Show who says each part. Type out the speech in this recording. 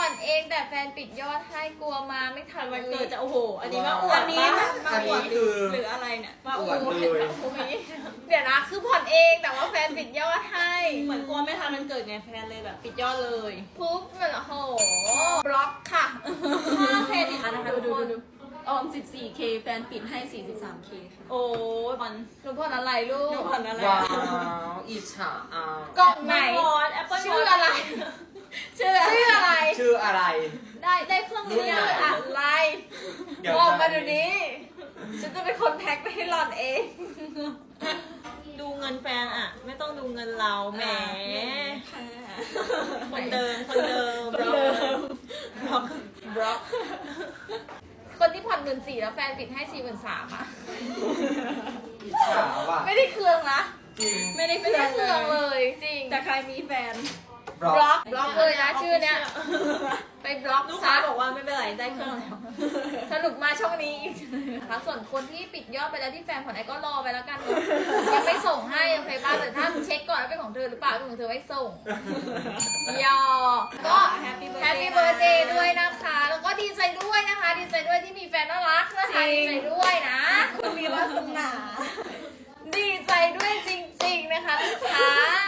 Speaker 1: อนเองแต่แฟนปิดยอดให้กลัวมาไม่ทัน
Speaker 2: วันเกิดจะโอ้โหอันนี้มาอวด
Speaker 3: อันนี้คือ
Speaker 2: หรืออะไรเนี่ยมา
Speaker 3: อ
Speaker 2: อ
Speaker 3: ว
Speaker 2: ว
Speaker 3: ด
Speaker 2: ด
Speaker 3: เลย
Speaker 1: เดี๋ยวนะคือผ่อนเองแต่ว่าแฟนปิดยอดให้
Speaker 2: เหมือนกลัวไม่ทันมันเกิดไงแฟนเลยแบบปิดยอดเลย
Speaker 1: ปุ๊บมันโอ้โหบล็อกค่ะ
Speaker 2: ค่าเครดิต
Speaker 4: นะคะดูออม 14K แฟนปิดให้ 43K ค่ะ
Speaker 2: โอ้ยมัน
Speaker 1: หนูผ่อนอะไรลู
Speaker 2: หนู
Speaker 1: ก
Speaker 2: ผ่อนอะไร
Speaker 3: ว้าวอิจฉาอ่ะ
Speaker 1: กล่องไหน
Speaker 2: วอตแอปเปิล
Speaker 1: ชื่ออะไร ชื่ออะไร
Speaker 3: ชื่ออะไร
Speaker 2: ได้เครื่อง
Speaker 1: ชื่
Speaker 2: เนี้
Speaker 1: อย อะไร
Speaker 3: เดี๋ยว
Speaker 1: บอกมาเดี๋ยวนี้ ฉันจะเป็นคนแพ็คไปให้หล่อนเอง
Speaker 2: ดูเงินแฟนอะไม่ต้องดูเงินเราแหมคนเดิมบล็อก
Speaker 1: บล็อก คนที่ผ่อน14,000แล้วแฟนปิดให้43,000อ่ะ
Speaker 3: อิจฉาว่ะ
Speaker 1: ไม่ได้เครื่องนะ
Speaker 3: จริง
Speaker 2: ไม่ได้
Speaker 1: ไม่ได้เครื่องเลยจริง
Speaker 4: แต่ใครมีแฟน
Speaker 3: บล็อก
Speaker 1: บล็อกเลยนะชื่อเนี้ยไปบล็อก
Speaker 2: ลูก
Speaker 1: ซะ
Speaker 2: ค้าบอกว่าไม่เป็นไรได้เครื่องแล้ว
Speaker 1: สรุปมาช่องนี้อีกนะคะส่วนคนที่ปิดยอดไปแล้วที่แฟนผ่อนไอ้ก็รอไปแล้วกันเนอะยังไม่ส่งให้โอเคป่ะแต่ถ้าเช็คก่อนว่าเป็นของเธอหรือเปล่าเป็นของเธอไม่ส่งยอก็
Speaker 4: Happy
Speaker 1: แฮป
Speaker 4: birthday
Speaker 1: ปี้เบิร์ดเดย์ด้วยนะคะ แล้วก็ดีใจด้วยนะคะ ดีใจด้วยที่มีแฟนน่ารักนะคะดีใจด้วยนะ
Speaker 4: คุณมีวาสนา
Speaker 1: ดีใจด้วยจริงๆนะคะลูกค้า